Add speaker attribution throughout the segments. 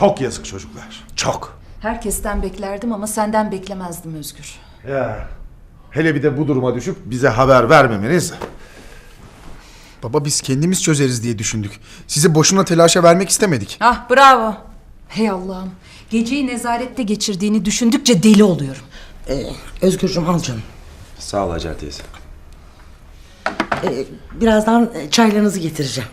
Speaker 1: Çok yazık çocuklar. Çok.
Speaker 2: Herkesten beklerdim ama senden beklemezdim Özgür.
Speaker 1: Ya. Hele bir de bu duruma düşüp bize haber vermemeniz.
Speaker 3: Baba biz kendimiz çözeriz diye düşündük. Sizi boşuna telaşa vermek istemedik.
Speaker 2: Ah bravo. Hey Allah'ım. Geceyi nezarette geçirdiğini düşündükçe deli oluyorum.
Speaker 4: Özgürcüğüm al canım.
Speaker 5: Sağ ol Hacer teyze.
Speaker 4: Birazdan çaylarınızı getireceğim.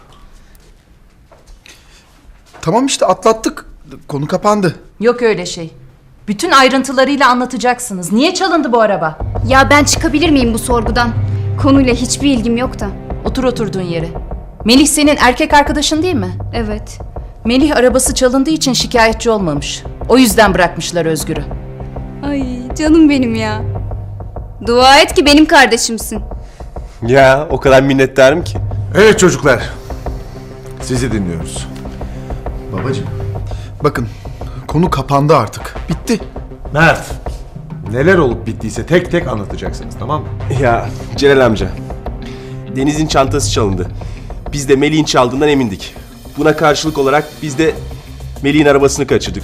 Speaker 3: Tamam işte atlattık. Konu kapandı.
Speaker 2: Yok öyle şey. Bütün ayrıntılarıyla anlatacaksınız. Niye çalındı bu araba?
Speaker 6: Ya ben çıkabilir miyim bu sorgudan? Konuyla hiçbir ilgim yok da.
Speaker 2: Otur oturduğun yere. Melih senin erkek arkadaşın değil mi?
Speaker 6: Evet.
Speaker 2: Melih arabası çalındığı için şikayetçi olmamış. O yüzden bırakmışlar Özgür'ü.
Speaker 6: Ay canım benim ya. Dua et ki benim kardeşimsin.
Speaker 5: Ya o kadar minnettarım ki.
Speaker 1: Evet çocuklar. Sizi dinliyoruz.
Speaker 3: Babacığım. Bakın konu kapandı artık. Bitti.
Speaker 1: Mert. Neler olup bittiyse tek tek anlatacaksınız, tamam mı?
Speaker 5: Ya Celal amca. Deniz'in çantası çalındı. Biz de Melih'in çaldığından emindik. Buna karşılık olarak biz de Melih'in arabasını kaçırdık.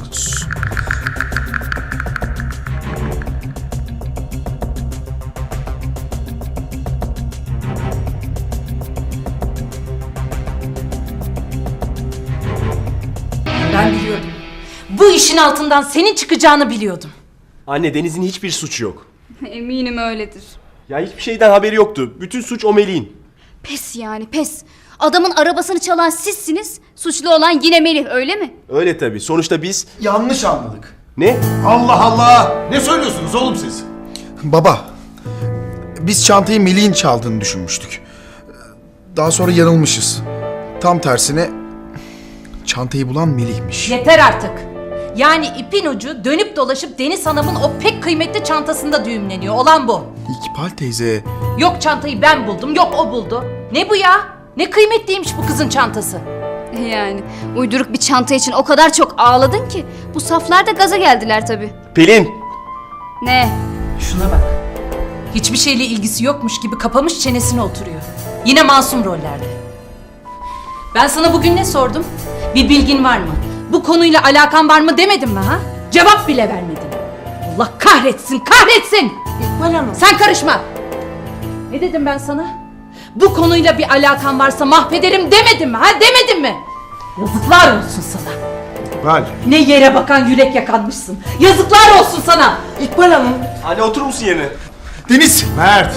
Speaker 2: Ben biliyordum. Bu işin altından senin çıkacağını biliyordum.
Speaker 5: Anne Deniz'in hiçbir suçu yok.
Speaker 6: Eminim öyledir.
Speaker 5: Ya hiçbir şeyden haberi yoktu. Bütün suç o Melih'in.
Speaker 6: Pes yani pes. Adamın arabasını çalan sizsiniz. Suçlu olan yine Melih öyle mi?
Speaker 5: Öyle tabii. Sonuçta biz...
Speaker 3: Yanlış anladık.
Speaker 5: Ne?
Speaker 1: Allah Allah! Ne söylüyorsunuz oğlum siz?
Speaker 3: Baba. Biz çantayı Melih'in çaldığını düşünmüştük. Daha sonra yanılmışız. Tam tersine çantayı bulan Melih'miş.
Speaker 2: Yeter artık. Yani ipin ucu dönüp dolaşıp Deniz Hanım'ın o pek kıymetli çantasında düğümleniyor. Olan bu.
Speaker 3: İkbal teyze.
Speaker 2: Yok çantayı ben buldum, yok o buldu. Ne bu ya? Ne kıymetliymiş bu kızın çantası.
Speaker 6: Yani uyduruk bir çanta için o kadar çok ağladın ki bu saflar da gaza geldiler tabii.
Speaker 5: Pelin!
Speaker 6: Ne?
Speaker 2: Şuna bak. Hiçbir şeyle ilgisi yokmuş gibi kapamış çenesine oturuyor. Yine masum rollerde. Ben sana bugün ne sordum? Bir bilgin var mı? Bu konuyla alakan var mı demedim mi ha? Cevap bile vermedin. Allah kahretsin, kahretsin!
Speaker 4: İkbal Hanım.
Speaker 2: Sen karışma! Ne dedim ben sana? Bu konuyla bir alakan varsa mahvederim demedim mi ha? Demedim mi? Yazıklar olsun sana.
Speaker 1: İkbal.
Speaker 2: Ne yere bakan yürek yakanmışsın. Yazıklar olsun sana.
Speaker 4: İkbal Hanım.
Speaker 5: Anne oturur musun yerine?
Speaker 3: Deniz!
Speaker 1: Mert.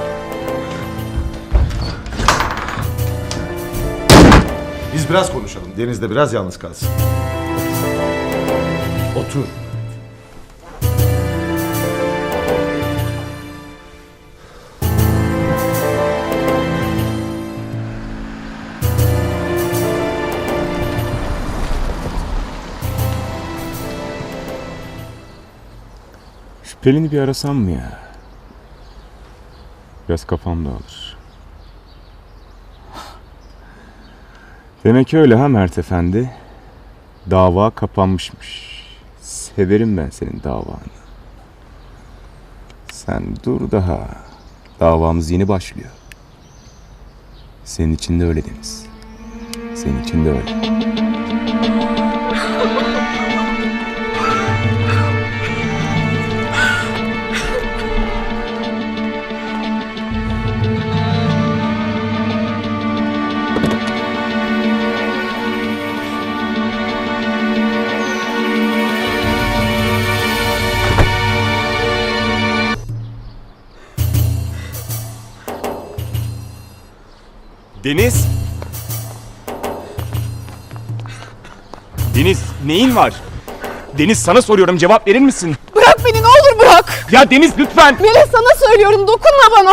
Speaker 1: Biz biraz konuşalım. Deniz de biraz yalnız kalsın. Otur.
Speaker 7: Şu Pelin'i bir arasam mı ya? Biraz kafam dağılır. Demek öyle ha Mert Efendi. Dava kapanmışmış. Severim ben senin davanı. Sen dur daha. Davamız yeni başlıyor. Senin için de öyle Deniz. Senin için de öyle. Deniz! Deniz neyin var? Deniz sana soruyorum cevap verir misin?
Speaker 8: Bırak beni ne olur bırak.
Speaker 7: Ya Deniz lütfen!
Speaker 8: Melih sana söylüyorum dokunma bana.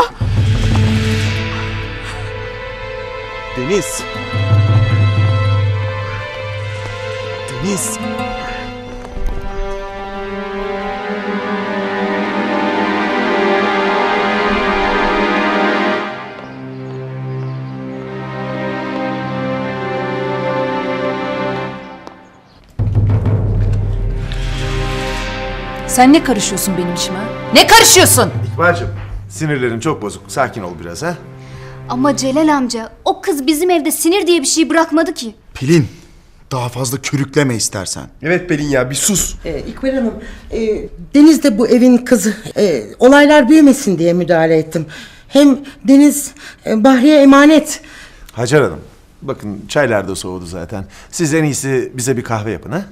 Speaker 7: Deniz! Deniz!
Speaker 2: Sen ne karışıyorsun benim işime? Ne karışıyorsun?
Speaker 1: İkbal'cığım, sinirlerin çok bozuk. Sakin ol biraz ha.
Speaker 6: Ama Celal amca o kız bizim evde sinir diye bir şey bırakmadı ki.
Speaker 3: Pelin. Daha fazla körükleme istersen.
Speaker 5: Evet Pelin ya bir sus.
Speaker 4: İkbal Hanım, Deniz de bu evin kızı. Olaylar büyümesin diye müdahale ettim. Hem Deniz Bahriye emanet.
Speaker 1: Hacer Hanım, bakın çaylar da soğudu zaten. Siz en iyisi bize bir kahve yapın ha?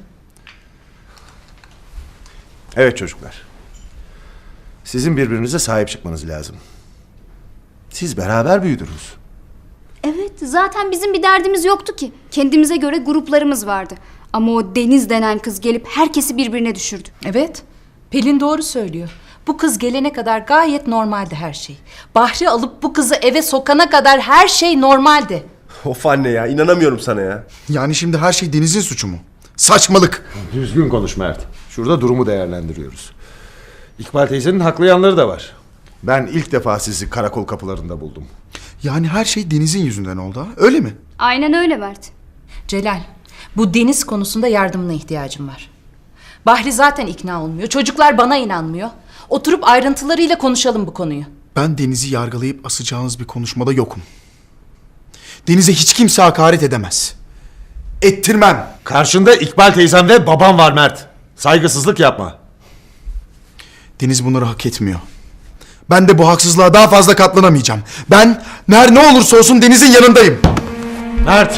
Speaker 1: Evet çocuklar. Sizin birbirinize sahip çıkmanız lazım. Siz beraber büyüdünüz.
Speaker 6: Evet, zaten bizim bir derdimiz yoktu ki. Kendimize göre gruplarımız vardı. Ama o Deniz denen kız gelip herkesi birbirine düşürdü.
Speaker 2: Evet, Pelin doğru söylüyor. Bu kız gelene kadar gayet normaldi her şey. Bahri alıp bu kızı eve sokana kadar her şey normaldi.
Speaker 5: Of anne ya, inanamıyorum sana ya.
Speaker 3: Yani şimdi her şey Deniz'in suçu mu? Saçmalık.
Speaker 1: Düzgün konuş Mert. Şurada durumu değerlendiriyoruz. İkbal teyzenin haklı yanları da var. Ben ilk defa sizi karakol kapılarında buldum.
Speaker 3: Yani her şey Deniz'in yüzünden oldu ha? Öyle mi?
Speaker 6: Aynen öyle Mert.
Speaker 2: Celal, bu Deniz konusunda yardımına ihtiyacım var. Bahri zaten ikna olmuyor. Çocuklar bana inanmıyor. Oturup ayrıntılarıyla konuşalım bu konuyu.
Speaker 3: Ben Deniz'i yargılayıp asacağınız bir konuşmada yokum. Deniz'e hiç kimse hakaret edemez. Ettirmem.
Speaker 1: Karşında İkbal teyzem ve babam var Mert. Saygısızlık yapma.
Speaker 3: Deniz bunları hak etmiyor. Ben de bu haksızlığa daha fazla katlanamayacağım. Ben ne olursa olsun Deniz'in yanındayım.
Speaker 1: Mert!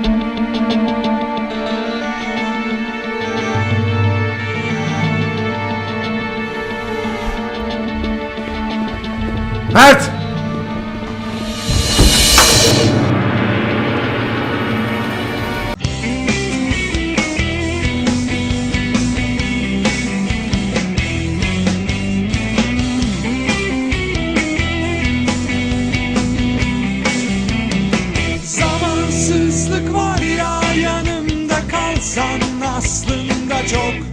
Speaker 1: Mert!
Speaker 9: Zamansızlık var ya, yanımda kalsan aslında çok